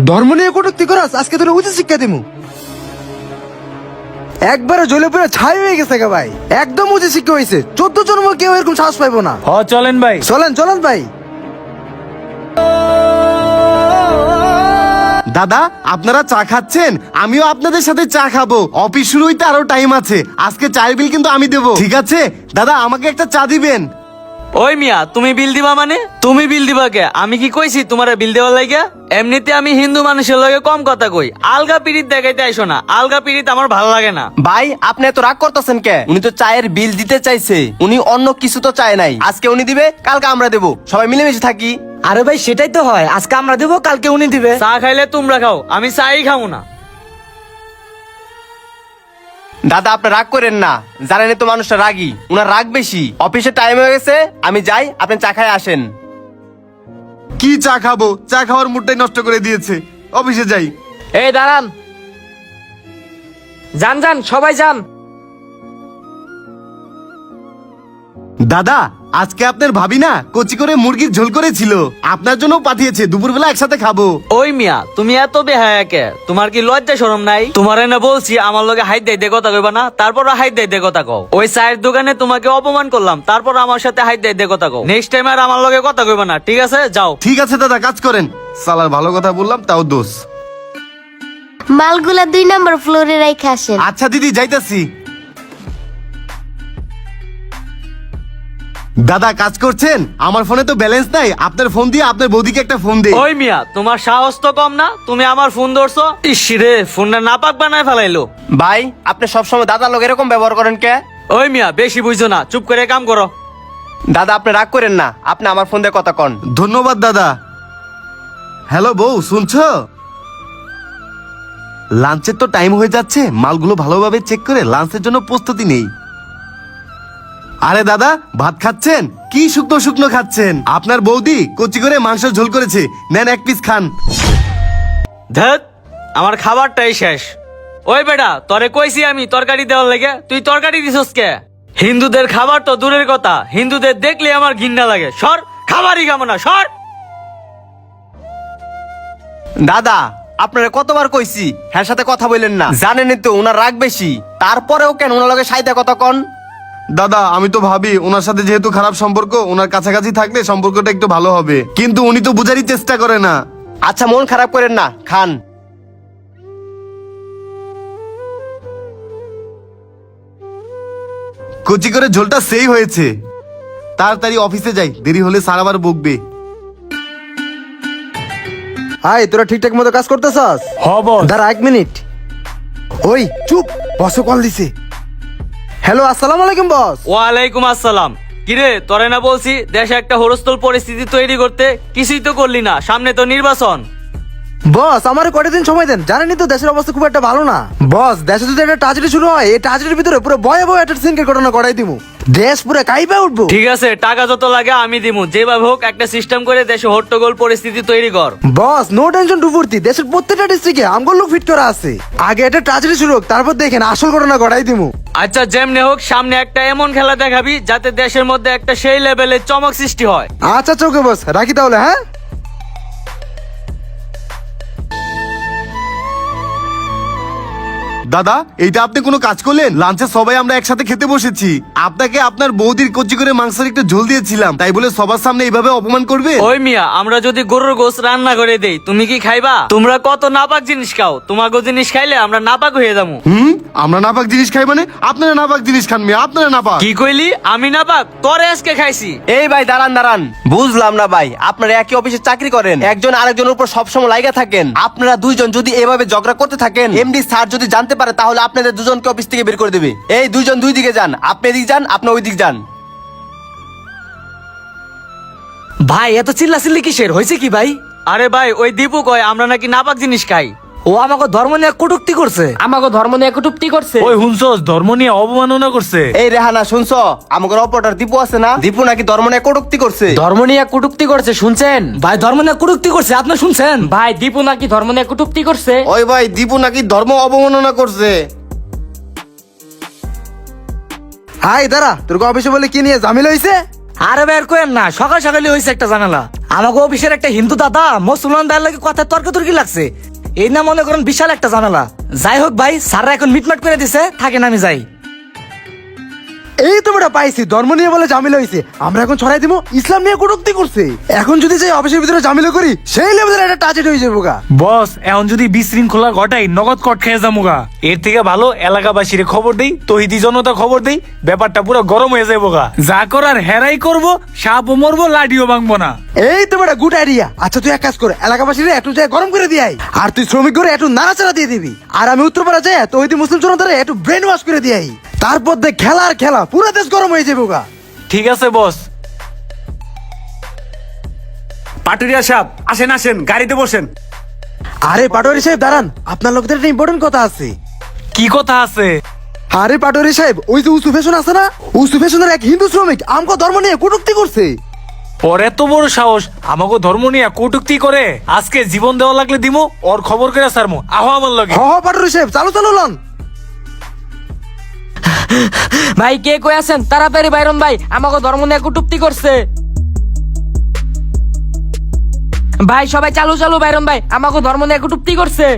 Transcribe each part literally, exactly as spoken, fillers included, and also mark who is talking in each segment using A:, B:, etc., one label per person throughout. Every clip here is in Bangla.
A: ধর্ম নিয়ে কটূক্তি করাস, আজকে তোর উচিত শিক্ষা দিমু। একবারে জ্বলে পুরো ছাই হয়ে গেছে গা ভাই, একদম উচিত শিক্ষা হয়েছে। চোদ্দ জন্ম কেউ এরকম সাহস পাইবো না।
B: হ চলেন ভাই।
A: চলেন চলেন ভাই।
C: দাদা আপনারা চা খাচ্ছেন, আমিও আপনাদের সাথে চা খাবো। অফিস শুরু হইতে আরো টাইম আছে, আজকে চায়ের বিল কিন্তু আমি দেবো, ঠিক আছে? দাদা আমাকে একটা চা দিবেন।
D: ওই মিয়া, তুমি বিল দিবা মানে? তুমি বিল দিবা কে? আমি কি কইছি তোমার বিল দেওয়ার লাগিয়া? এমনিতে আমি হিন্দু মানুষের লগে কম কথা কই, আলগা পিরিত দেখাইতে আইসো না। আলগা পিরিত আমার ভালো লাগে না।
E: ভাই আপনি এত রাগ করতেছেন কে? উনি তো চায়ের বিল দিতে চাইছে, উনি অন্য কিছু তো চায় নাই। আজকে উনি দিবে, কালকে আমরা দেবো, সবাই মিলেমিশে থাকি।
B: আরে ভাই সেটাই তো হয়, আজকে আমরা দেবো কালকে উনি দিবে।
D: চা খাইলে তোমরা খাও, আমি চাই খাবো না।
E: দাদা আপনি রাগ করেন না, জানেন তো মানুষটা রাগী, উনার রাগ বেশি। অফিসে টাইম হয়ে গেছে, আমি যাই, আপনি চা খাই আসেন।
C: কি চা খাবো? চা খাওয়ার মুডটাই নষ্ট করে দিয়েছে। অফিসে যাই।
B: এই দাঁড়ান, যান যান সবাই যান।
C: দাদা আজকে আপনার ভাবি না কচি করে মুরগির ঝোল করেছিল, আপনার জন্য পাঠিয়েছে, দুপুরবেলা একসাথে খাবো।
D: ওই মিয়া, তুমি এত বেহায়া কে? তোমার কি লজ্জা শরম নাই? তোমার এনে বলছি আমার লগে হাইট দেয় কথা কইবা না, তারপর হাইট দেয় কথা কও। ওই চায়ের দোকানে তোমাকে অপমান করলাম, তারপর আমার সাথে হাইট দেয় কথা কও। নেক্সট টাইম আর আমার লগে কথা কইবা না, ঠিক আছে? যাও।
C: ঠিক আছে দাদা, কাজ করেন। সালার ভালো কথা বললাম, তাও দোষ।
F: মালগুলা দুই নম্বর ফ্লোরে রাইখা আসেন।
C: আচ্ছা দিদি, যাইতাছি। দাদা কাজ করছেন? আমার ফোনে তো ব্যালেন্স নাই, আপনার ফোন দিয়ে আপনার বৌদিকে একটা ফোন দে।
D: ওই মিয়া, তোমার সাহস তো কম না, তুমি আমার ফোন ধরছো? ইস রে, ফোনটা নাপাক বানায় ফেলাইলো।
E: ভাই আপনি সবসময় দাদার লোক এরকম ব্যবহার করেন কে?
D: ওই মিয়া, বেশি বুঝছো না, চুপ করে কাম করো।
E: দাদা আপনি রাগ করেন না, আপনি আমার ফোন দিয়ে কথা কন।
C: ধন্যবাদ দাদা। হ্যালো বউ, শুনছো? লাঞ্চের তো টাইম হয়ে যাচ্ছে, মালগুলো ভালোভাবে চেক করে লাঞ্চের জন্য প্রস্তুতি নেই। আরে দাদা ভাত খাচ্ছেন? কি শুকনো শুকনো খাচ্ছেন? আপনার বৌদি কচি করে মাংস ঝোল করেছে, নেন এক পিস খান।
D: ধ্যাত, আমার খাবারটাই শেষ। ওই বেটা, তরে কইছি আমি তরকারি দেওয়ার লেগে, তুই তরকারি দিছস কে? হিন্দুদের খাবার তো দূরের কথা, হিন্দুদের দেখলে আমার ঘৃণা লাগে। সর, খাবারই খাবো না, সর।
E: দাদা আপনারা কতবার কইছি হ্যাঁ সাথে কথা বললেন না, জানেনই তো উনার রাগ বেশি, তারপরেও কেন উনার লগে সাইদা কথা কন?
C: দাদা আমি তো ভাবি ওনার সাথে যেহেতু খারাপ সম্পর্ক, ওনার কাছাকাছি থাকলে সম্পর্কটা একটু ভালো হবে, কিন্তু উনি তো বুঝারই চেষ্টা করে না।
E: আচ্ছা মন খারাপ করেন না, খান।
C: কচি করে ঝোলটা সেই হয়েছে। তাড়াতাড়ি অফিসে যাই, দেরি হলে স্যার আবার বকবে।
A: আয়, তোরা ঠিকঠাক মতো কাজ করতেছস?
B: হ বস।
A: দাঁড়া এক মিনিট। ওই চুপ, বসে কল দিছে। হ্যালো, আসসালামু আলাইকুম বস।
D: ওয়ালাইকুম আসসালাম। কিরে, তরে না বলছি দেশে একটা হরস্থল পরিস্থিতি তৈরি করতে, কিছুই তো করলি না। সামনে তো নির্বাচন।
A: বস আমার কয়টা দিন সময় দেন, জানেনই তো দেশের অবস্থা খুব একটা ভালো না। বস দেশে যদি একটা ট্রাজেডি শুরু হয়, এই ট্রাজেডির ভিতরে পুরো ভয়াবহ একটা সিনকের ঘটনা করাই দিমু, দেশ পুরো কাইপা উঠবো।
D: ঠিক আছে, টাকা যত লাগে আমি দিমু, যেভাবে হোক একটা সিস্টেম করে দেশে হট্টগোল পরিস্থিতি তৈরি কর।
A: বস নো টেনশন টু ফুর্তি, দেশের প্রত্যেকটা ডিস্ট্রিক্টে আমগোল লোক ফিট করা আছে। আগে একটা ট্রাজেডি শুরু হোক, তারপর দেখেন আসল ঘটনা ঘটাই দিমু।
D: আচ্ছা যেমনে হোক, সামনে একটা এমন খেলা দেখাবি যাতে দেশের মধ্যে একটা সেই লেভেলের চমক সৃষ্টি হয়।
A: আচ্ছা চোখে বস, রাখি তাহলে। হ্যাঁ
C: দাদা এইটা আপনি কোনো কাজ করলেন? লাঞ্চে সবাই আমরা একসাথে খেতে বসেছি, আপনাকে আপনার বৌদির কচি করে মাংসের একটু ঝোল দিয়েছিলাম, তাই বলে সবার সামনে এইভাবে অপমান করবে?
D: ওই মিয়া, আমরা যদি গরুর গোশত রান্না করে দেই, তুমি কি খাইবা? তোমরা কত নাপাক জিনিস খাও, তোমাকে জিনিস খাইলে আমরা নাপাক হয়ে যাবো।
C: হুম, আমরা নাপাক জিনিস খাই মানে? আপনারা নাপাক জিনিস খান মিয়া, আপনারা নাপাক।
D: কি কইলি? আমি নাপাক? তোরে আজকে খাইছি।
E: এই ভাই দাঁড়ান দাঁড়ান, বুঝলাম না ভাই, আপনারা একই অফিসে চাকরি করেন, একজন আরেকজনের উপর সবসময় লাইগা থাকেন, আপনারা দুইজন যদি এভাবে ঝগড়া করতে থাকেন, এমডি স্যার যদি জানতে পারে তাহলে আপনাদের দুজনকে অফিস থেকে বের করে দেবে। এই দুইজন দুই দিকে যান, আপনি এদিক যান, আপনি ওই দিক যান।
B: ভাই এত চিল্লা চিল্লি কিসের, হয়েছে কি ভাই?
D: আরে ভাই, ওই দীপু কয় আমরা নাকি নাপাক জিনিস খাই।
B: ও আমাকে ধর্ম নিয়ে কটূক্তি করছে।
G: আমাকে ধর্ম নিয়ে কটূক্তি করছে।
B: ওই হুনছস, ধর্ম নিয়ে অবমাননা করছে।
E: এই রেহানা শুনছো, আমাদের অপরটার দীপু আছে না, দীপু নাকি ধর্ম নিয়ে কটূক্তি করছে।
G: ধর্ম নিয়ে কটূক্তি করছে, শুনছেন?
B: ভাই ধর্ম নিয়ে কটূক্তি করছে, আপনি শুনছেন?
G: ভাই দীপু নাকি ধর্ম নিয়ে কটূক্তি করছে।
C: ওই ভাই দীপু নাকি ধর্ম অবমাননা করছে।
A: হাই দাঁড়া, তোর অফিসে বলে কি নিয়ে ঝামেলা হয়েছে?
B: আরে বের করেন না, সকাল সকালই হয়েছে একটা জানালা। আমাকে অফিসের একটা হিন্দু দাদা মুসলমান দায়ের লাগে কথা তর্কতর্কি লাগছে, এই না মনে করেন বিশাল একটা ঝামেলা। যাই হোক ভাই, স্যাররা এখন মিটমাট করে দিছে, থাকেন আমি যাই।
A: এই তো বেটা পাইছি, ধর্ম নিয়ে বলে ঝামেলা হয়েছে, আমরা এখন ছড়াই দিব ইসলাম নিয়ে কটূক্তি করছে। এখন যদি যাই অফিসের ভিতরে ঝামেলা করি, সেই লেভেলের একটা টার্গেট হয়ে যাবো গা।
H: বস এখন যদি বিশৃঙ্খলা ঘটাই নগদ কট খেয়ে যামুগা। এর থেকে ভালো এলাকাবাসীর খবর দেই, তহিদি জনতা খবর দেই, ব্যাপারটা পুরো গরম হয়ে যাবো গা। যা করার হেরাই করবো, সাপও মরবো, লাঠিও ভাঙবো না।
A: এই তো বেটা গুড আইডিয়া। আচ্ছা তুই এক কাজ কর, এলাকাবাসীরা একটু যায় গরম করে দিয়ে আয়, আর তুই শ্রমিক করে একটু নাড়াচাড়া দিয়ে দিবি, আর আমি উত্তরপাড়া যাই তো ওই মুসলিম জনতারে একটু ব্রেন ওয়াশ করে দিয়ে আই। তারপর দেখ খেলা আর খেলা, পুরো দেশ গরম হয়ে যাবো গা।
H: ঠিক আছে বস।
I: পাটুরিয়া সাহেব আসেন আসেন, গাড়িতে বসেন।
A: আরে পাটোয়ারি সাহেব দাঁড়ান, আপনার লোকদের একটা ইম্পর্টেন্ট কথা আছে।
H: কি কথা আছে?
A: আরে পাটোয়ারি সাহেব, ওই যে উসু ফ্যাশন আছে না, উসু ফ্যাশনের এক হিন্দু শ্রমিক আমকো ধর্ম নিয়ে কটূক্তি করছে।
H: ওর এত বড় সাহস আমাকে ধর্ম নিয়ে কটুক্তি করে, আজকে জীবন দেওয়া লাগলে দিমু, ওর খবর করে সারমু। আহো আমার লগে।
A: হ হ পাটোয়ারি সাহেব, চালু চালু লন।
G: ভাই কে কই আছেন? তাড়াতাড়ি বাইরন ভাই, আমাকে ধর্ম নিয়ে কটূক্তি করছে। ভাই সবাই চালু চালু বাইরন ভাই, আমাকে ধর্ম নিয়ে কটূক্তি করছে।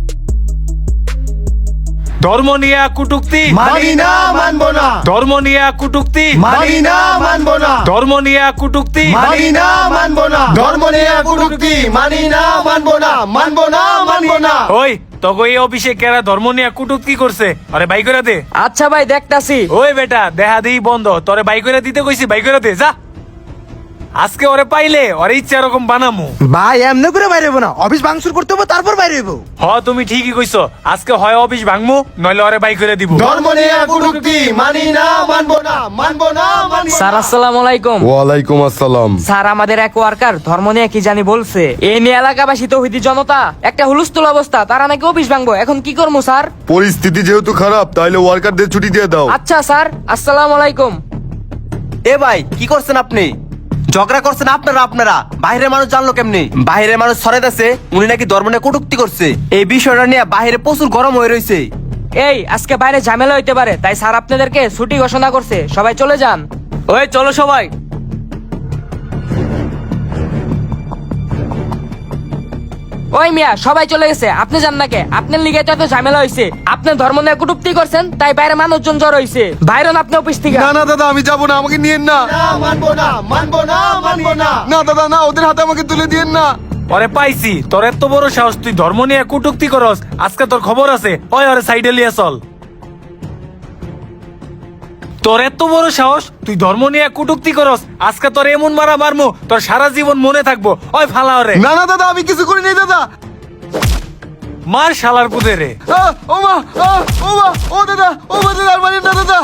H: ধর্ম নিয়ে কটুক্তি
C: মানি না, মানবো না।
H: ধর্ম নিয়ে কটুক্তি
C: মানি না, মানবো না।
H: ধর্ম নিয়ে কটুক্তি
C: মানি না, মানবো না। ধর্ম নিয়ে কটূক্তি মানি না, মানবো না, মানবো না, মানবো না।
H: ওই তোকে এই অফিসে কেরা ধর্ম নিয়ে কটুক্তি করছে, আরে বাই করে দে।
G: আচ্ছা ভাই দেখতাছি।
H: ওই বেটা দেহা দেই বন্ধ, তোরে বাই করে দিতে কইছি, বাই করে দে যা। আজকে ওরে পাইলে ওরে ইচ্ছা এরকম বানামু।
A: ভাই এমনি করে বাইরে হইবো না, অফিস ভাঙচুর করতে হবে তারপর বাইরে হইবো।
H: হ তুমি ঠিকই কইছো, আজকে হয় অফিস ভাঙমু, নইলে ওরে বাই করে দিব।
C: ধর্ম নিয়ে কটূক্তি মানি না, মানবো না, মানবো না, মানবো না।
G: স্যার আসসালামু আলাইকুম।
J: ওয়ালাইকুম আসসালাম।
G: স্যার আমাদের এক ওয়ার্কার ধর্ম নিয়ে কি জানি বলছে, এ নিয়ে এলাকাবাসী তৌহিদি জনতা একটা হুলস্থুল অবস্থা, তারা নাকি অফিস ভাঙবো। এখন কি করবো স্যার?
J: পরিস্থিতি যেহেতু খারাপ, তাইলে ওয়ার্কারদের ছুটি দিয়ে দাও।
G: আচ্ছা স্যার, আসসালামু আলাইকুম।
E: এ ভাই কি করছেন আপনি? ঝগড়া করছেন আপনারা আপনারা বাইরের মানুষ জানলো কেমনি? বাইরের মানুষ ছড়াইতেছে উনি নাকি ধর্ম নিয়ে কটূক্তি করছে। এই বিষয়টা নিয়ে বাইরে প্রচুর গরম হয়ে রয়েছে।
G: এই আজকে বাইরে ঝামেলা হইতে পারে, তাই স্যার আপনাদেরকে ছুটি ঘোষণা করছে, সবাই চলে যান।
D: ওই চলো সবাই।
G: ওই মিয়া সবাই চলে গেছে, আপনি যান না কে? আপনার লিগে তো এত ঝামেলা হয়েছে, আপনি ধর্ম নিয়ে কটূক্তি করছেন, তাই বাইরে মানুষজন জড় হয়েছে। বাইরে আপনি অফিস থেকে।
J: না না দাদা, আমি যাবো না, আমাকে নিয়েন না।
C: না, মানবো না, মানবো না, মানবো না।
J: না দাদা না, ওদের হাতে আমাকে তুলে দিয়েন না।
H: ওরে পাইছি, তোর এত বড় সাহস, তুই ধর্ম নিয়ে কটূক্তি করস, আজকে তোর খবর আছে। ওই ওরে সাইডে লিয়ে চল। তোর এত বড় সাহস, তুই ধর্ম নিয়ে কটূক্তি করস, আজকে তোর এমন মারা মারমু, তোর সারা জীবন মনে থাকবো। ওই ফালা ওরে।
J: না না দাদা, আমি কিছু করি নাই দাদা।
H: মার শালার পুদে রে।
J: আহ, ও মা, আহ, ও মা, ও দাদা, ও মা দাদা, আর মারেন না দাদা।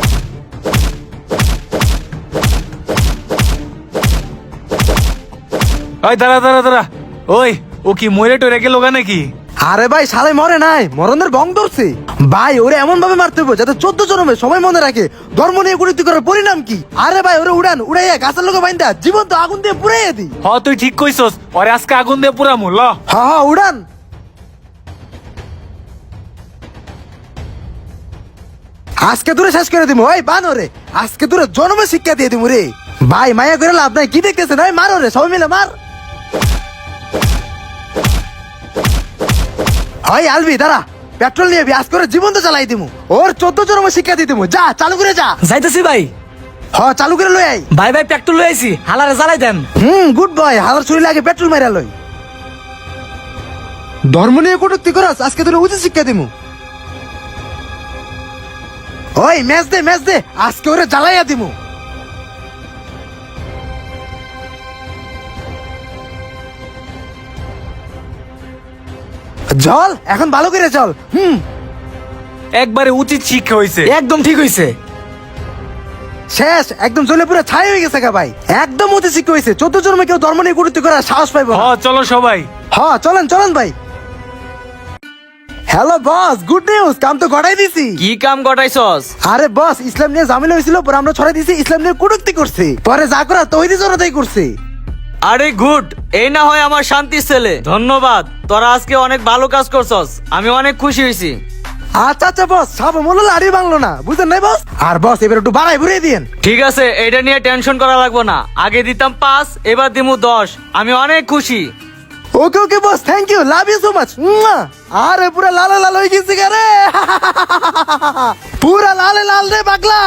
H: ওই দাঁড়া দাঁড়া দাঁড়া, ওই ও কি মরে টরে গেল গা নাকি?
A: আরে ভাই শালে মরে নাই, মরণের বং ধরছে। ভাই ওরে এমন ভাবে মারতে হবে যাতে চোদ্দ জন্মে সবাই মনে রাখে ধর্ম নিয়ে কটূক্তি করার পরিণাম কি। আরে ভাই ওরে উড়ান, উড়াইয়া গাছের লোকে বাইন্দা জীবন্ত আগুন দিয়ে পুড়াইয়া দি।
H: হ তুই ঠিক কইছস, ওরে আজকে আগুন দিয়ে পুরামু। ল
A: হা হা উড়ান। আজকে দূরে শেষ করে দিমু। ওই বান ওরে, আজকে দূরে জন্মে শিক্ষা দিয়ে দিমু রে। ভাই মায়া করে লাভ নাই, কি দেখতেছেন? ওই মার ওরে, সবাই মিলে মার। ওই আলবি দাঁড়া, পেট্রোল নিয়ে আজ করে জীবন তো চালাই দিমু। ওর চোদ্দ জন্মে শিক্ষা দিয়ে দিমু। যা চালু করে যা।
B: যাইতেছি ভাই।
A: হ চালু করে লই আই।
B: ভাই ভাই পেট্রোল লই আইছি, হালারে জ্বালাই দেন।
A: হুম গুড বয়, হালার শরীরে আগে পেট্রোল মাইরা লই। ধর্ম নিয়ে কটূক্তি করস, আজকে তোর উচিত শিক্ষা দিমু। ওই ম্যাচ দে ম্যাচ দে, আজকে ওরে জ্বালাইয়া দিমু। জল এখন ভালো করে চল। হুম
H: একবারে উচিত শিক্ষা হইছে।
B: একদম ঠিক হইছে।
A: শেষ, একদম জ্বলে পুরো ছাই হয়ে গেছে গা ভাই। একদম উচিত শিক্ষা হয়েছে, চোদ্দ জন্মে কেউ ধর্ম নিয়ে কটূক্তি করার সাহস পাইব
H: হ
A: না।
H: চলো সবাই।
A: হ্যাঁ চলেন চলেন ভাই। হ্যালো বস, গুড নিউজ, কাম তো গড়াই দিছি।
D: কি কাম গটাইছস?
A: আরে বস, ইসলাম নিয়ে ঝামেলা হয়েছিল, পরে আমরা ছড়াই দিছি ইসলাম নিয়ে কটূক্তি করছে, পরে যা করা তৈরি জনতাই করছে।
D: আরে গুড, এই না হয় আমার শান্তির ছেলে। ধন্যবাদ, তোরা আজকে অনেক ভালো কাজ করছস, আমি অনেক খুশি হয়েছি।
A: আচ্ছা আচ্ছা বস সাপ মূল্য লাড়ি বাংলো না বুঝলেন নাই বস আর বস এবার একটু বাড়াই ঘুরিয়ে দিন
D: ঠিক আছে এটা নিয়ে টেনশন করা লাগবে না, আগে দিতাম পাঁচ এবার দিমু দশ, আমি অনেক খুশি।
A: Okay okay boss thank you love you so much আরে পুরা লাল লাল হয়ে গেছে রে পুরা লালে লাল রে পাগলা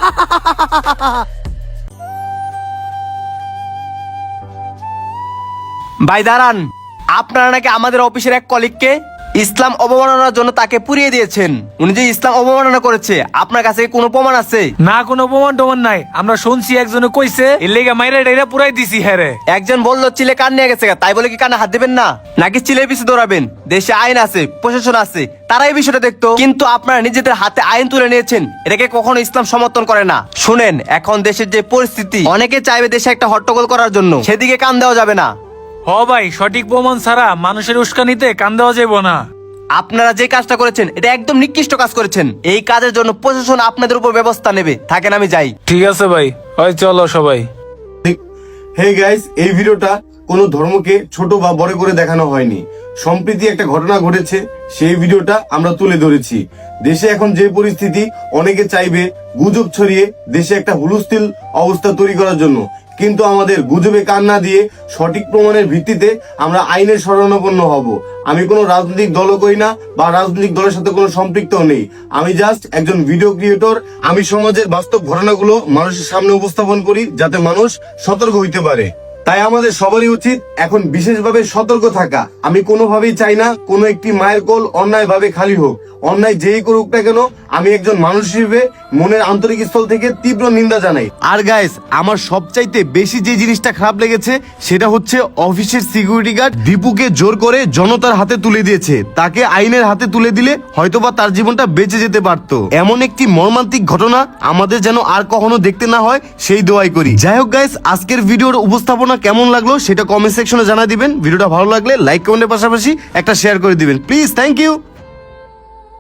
E: ভাই দাঁড়ান, আপনারা নাকি আমাদের অফিসের এক কলিগকে ইসলাম অবমাননার জন্য তাকে পুড়িয়ে দিয়েছেন। উনি যে ইসলাম অবমাননা করেছে আপনার কাছে কি কোনো প্রমাণ আছে?
H: না কোনো প্রমাণ টমান নাই, আমরা শুনছি একজনে কইছে এর লেগে মাইরা ডাইরা পুরাই দিছি হ্যাঁ রে।
E: একজন বললো চিলে কান নিয়ে গেছে, তাই বলে কি কানে হাত দিবেন না? নাকি চিলের পিছু দৌড়াবেন? দেশে আইন আছে, প্রশাসন আছে, তারা এই বিষয়টা দেখতো। কিন্তু আপনারা নিজেদের হাতে আইন তুলে নিয়েছেন, এটাকে কখনো ইসলাম সমর্থন করে না। শুনেন, এখন দেশের যে পরিস্থিতি, অনেকে চাইবে দেশে একটা হট্টগোল করার জন্য, সেদিকে কান দেওয়া যাবে না।
H: হ ভাই, সঠিক প্রমাণ ছাড়া মানুষের উস্কানিতে কান দেওয়া যাবে না।
E: আপনারা যে কাজটা করেছেন এটা একদম নিকৃষ্ট কাজ করেছেন। এই কাজের জন্য প্রশাসন আপনাদের উপর ব্যবস্থা নেবে। থাকেন, আমি যাই।
H: ঠিক আছে ভাই, ওই চলো সবাই।
C: হে গাইস, এই ভিডিওটা কোনো ধর্মকে ছোট বা বড় করে দেখানো হয়নি। সম্প্রতি একটা ঘটনা ঘটেছে, সেই ভিডিওটা আমরা তুলে ধরেছি। দেশে এখন যে পরিস্থিতি, অনেকে চাইবে গুজব ছড়িয়ে দেশে একটা হুলস্থুল অবস্থা তৈরি করার জন্য, কিন্তু আমাদের গুজবে কান না দিয়ে সঠিক প্রমাণের ভিত্তিতে আমরা আইনের শরণাপন্ন হব। আমি কোনো রাজনৈতিক দলও করি না বা রাজনৈতিক দলের সাথে কোনো সম্পৃক্ত নেই। আমি জাস্ট একজন ভিডিও ক্রিয়েটর। আমি সমাজের বাস্তব ঘটনাগুলো মানুষের সামনে উপস্থাপন করি যাতে মানুষ সতর্ক হইতে পারে। তাই আমাদের সবারই উচিত এখন বিশেষভাবে সতর্ক থাকা। আমি কোনোভাবেই চাই না কোনো একটি মায়ের কোল অন্যায় ভাবে খালি হোক। অন্যায় যেই করুক না কেন, আমি একজন মানুষ হিসেবে মনের আন্তরিক স্থল থেকে তীব্র নিন্দা জানাই। আর গাইস, আমার সবচাইতে বেশি যে জিনিসটা খারাপ লেগেছে সেটা হচ্ছে অফিসের সিকিউরিটি গার্ড দীপুকে জোর করে জনতার হাতে তুলে দিয়েছে। তাকে আইনের হাতে তুলে দিলে হয়তোবা তার জীবনটা বেঁচে যেতে পারতো। এমন একটি মর্মান্তিক ঘটনা আমাদের যেন আর কখনো দেখতে না হয়, সেই দোয়াই করি। যাই হোক গাইস, আজকের ভিডিওর উপস্থাপনা কেমন লাগলো সেটা কমেন্ট সেকশনে জানা দিবেন। ভিডিওটা ভালো লাগলে লাইক কমেন্টের পাশাপাশি একটা শেয়ার করে দিবেন প্লিজ। Thank you.